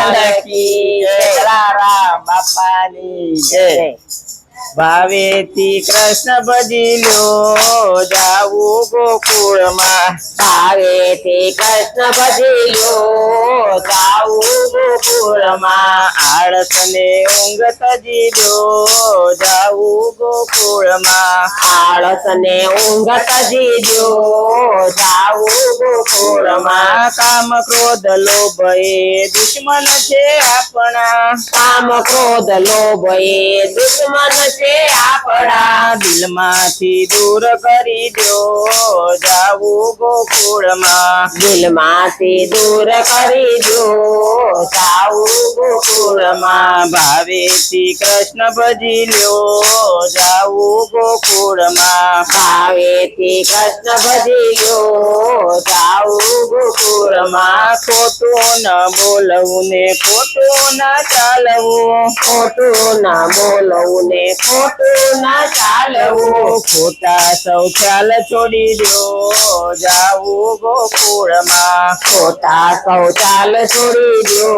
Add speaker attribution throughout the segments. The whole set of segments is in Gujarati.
Speaker 1: લાલ કી જય, જલારામ બાપાની જય। ભાવેથી કૃષ્ણ ભજી લ્યો જાવું ગોકુળમાં,
Speaker 2: ભાવેથી કૃષ્ણ ભજી લ્યો જાવું ગોકુળમાં,
Speaker 1: આળસ ને ઊંઘ તજી લ્યો જાવું ગોકુળમાં,
Speaker 2: આળસ ને ઊંઘ તજી લ્યો જાવું ગોકુળમાં,
Speaker 1: કામ ક્રોધ લોભ એ દુશ્મન છે આપણા,
Speaker 2: કામ ક્રોધ લોભ એ દુશ્મન છે આપણા,
Speaker 1: દિલમાંથી દૂર કરી દો જાવું ગોકુળમાં,
Speaker 2: દિલમાંથી દૂર કરી દો જાવું ગોકુળમાં,
Speaker 1: ભાવેથી કૃષ્ણ ભજી લ્યો જાવું ગોકુળમાં,
Speaker 2: ભાવેથી કૃષ્ણ ભજી લ્યો જાવું ગોકુળમાં,
Speaker 1: ખોટું ન બોલવું ને ખોટું ન ચાલવું,
Speaker 2: ખોટું ના બોલવું ને ખોટું ના ચાલવું,
Speaker 1: ખોટા સૌ ખ્યાલ છોડી દો જાવું ગોકુળમાં,
Speaker 2: ખોટા શૌચાલ છોડી દો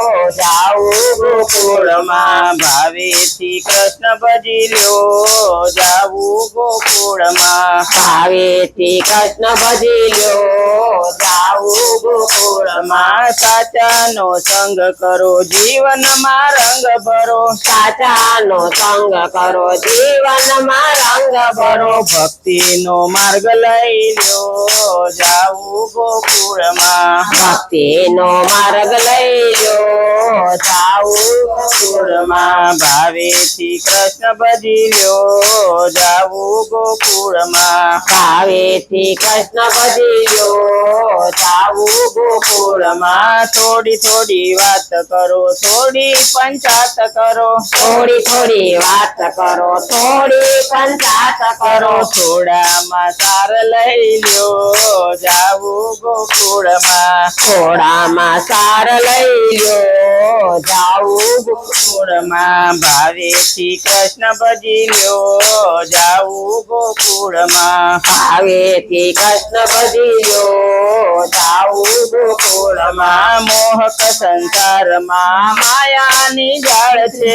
Speaker 2: જાવું ગોકુળમાં,
Speaker 1: ભાવેથી કૃષ્ણ ભજી લ્યો જાવું ગોકુળમાં,
Speaker 2: ભાવેથી કૃષ્ણ ભજી લ્યો જાવું ગોકુળમાં,
Speaker 1: સાચાનો સંગ કરો જીવનમાં રંગ ભરો,
Speaker 2: સાચાનો સંગ કરો જીવનમાં રંગ ભરો,
Speaker 1: ભક્તિનો માર્ગ લઈ લ્યો જાવું ગોકુળમાં,
Speaker 2: ભક્તિનો માર્ગ લઈ લ્યો જાવું ગોકુળમાં,
Speaker 1: ભાવેથી કૃષ્ણ ભજી લ્યો જાવું ગોકુળમાં,
Speaker 2: ભાવેથી કૃષ્ણ ભજી લ્યો જાવું ગોકુળમાં,
Speaker 1: થોડી થોડી વાત કરો થોડી પંચાત કરો,
Speaker 2: થોડી થોડી વાત કરો થોડી પંચાત કરો,
Speaker 1: થોડામાં સાર લઈ લ્યો જાવું ગોકુળમાં,
Speaker 2: થોડામાં સાર લઈ લ્યો જાવું
Speaker 1: ગોકુળમાં, ભાવેથી કૃષ્ણ ભજી લ્યો જાવું ગોકુળમાં,
Speaker 2: ભાવેથી કૃષ્ણ ભજી લ્યો જાવું ગોકુળમાં,
Speaker 1: મોહક સંસારમાં માયાની જાળ છે,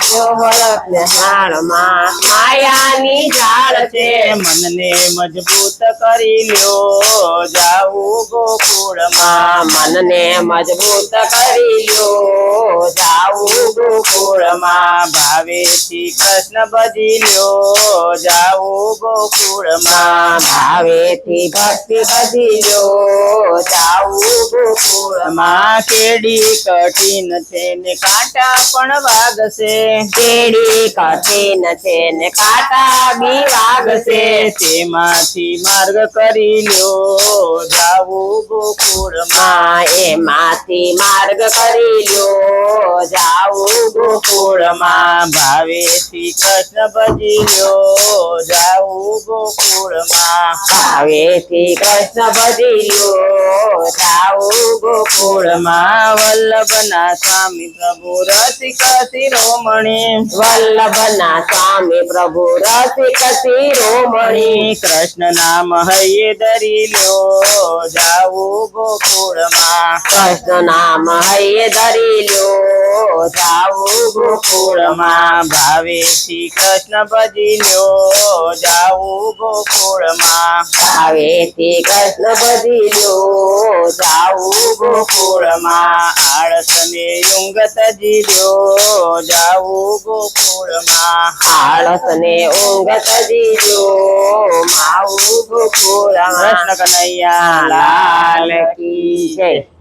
Speaker 2: જાળમાં માયાની જાળ છે,
Speaker 1: મનને મજબૂત કરી લ્યો જાવું ગોકુળમાં,
Speaker 2: મનને મજબૂત કરી લ્યો જાવું ગોકુળમાં,
Speaker 1: ભાવેથી કૃષ્ણ ભજી લ્યો જાવું ગોકુળમાં,
Speaker 2: ભાવેથી ભક્તિ ભજી લ્યો જાવું ગોકુળમાં,
Speaker 1: કેડી કઠિન છે ને કાંટા પણ વાગશે,
Speaker 2: કેડી કઠિન છે ને કાંટા બી વાગશે,
Speaker 1: તેમાંથી માર્ગ કરી લ્યો જાવું ગોકુળમાં,
Speaker 2: એમાંથી માર્ગ કરી લ્યો જાવું
Speaker 1: ગોકુળમાં, ભાવેથી કૃષ્ણ ભજી લ્યો જાવું ગોકુળમાં,
Speaker 2: ભાવેથી કૃષ્ણ ભજી લ્યો જાવું
Speaker 1: ગોકુળમાં, વલ્લભના સ્વામી પ્રભુ રસિક શિરોમણી,
Speaker 2: વલ્લભના સ્વામી પ્રભુ રસિક શિરોમણી,
Speaker 1: કૃષ્ણ નામ હૈયે ધરી લ્યો જાવું ગોકુળમાં,
Speaker 2: કૃષ્ણ નામ હૈયે ધરી લ્યો જાવું ગોકુળમાં,
Speaker 1: ભાવેથી કૃષ્ણ ભજી લ્યો જાવું ગોકુળમાં,
Speaker 2: ભાવેથી કૃષ્ણ ભજી લ્યો જાવું
Speaker 1: ગોકુળમાં, આળસ ને ઊંઘ તજી લ્યો જાવું ગોકુળમાં,
Speaker 2: આળસ ને ઊંઘ તજી લ્યો માવું ગોકુળમાં,
Speaker 1: કૃષ્ણ કનૈયા
Speaker 2: લાલ કી જય।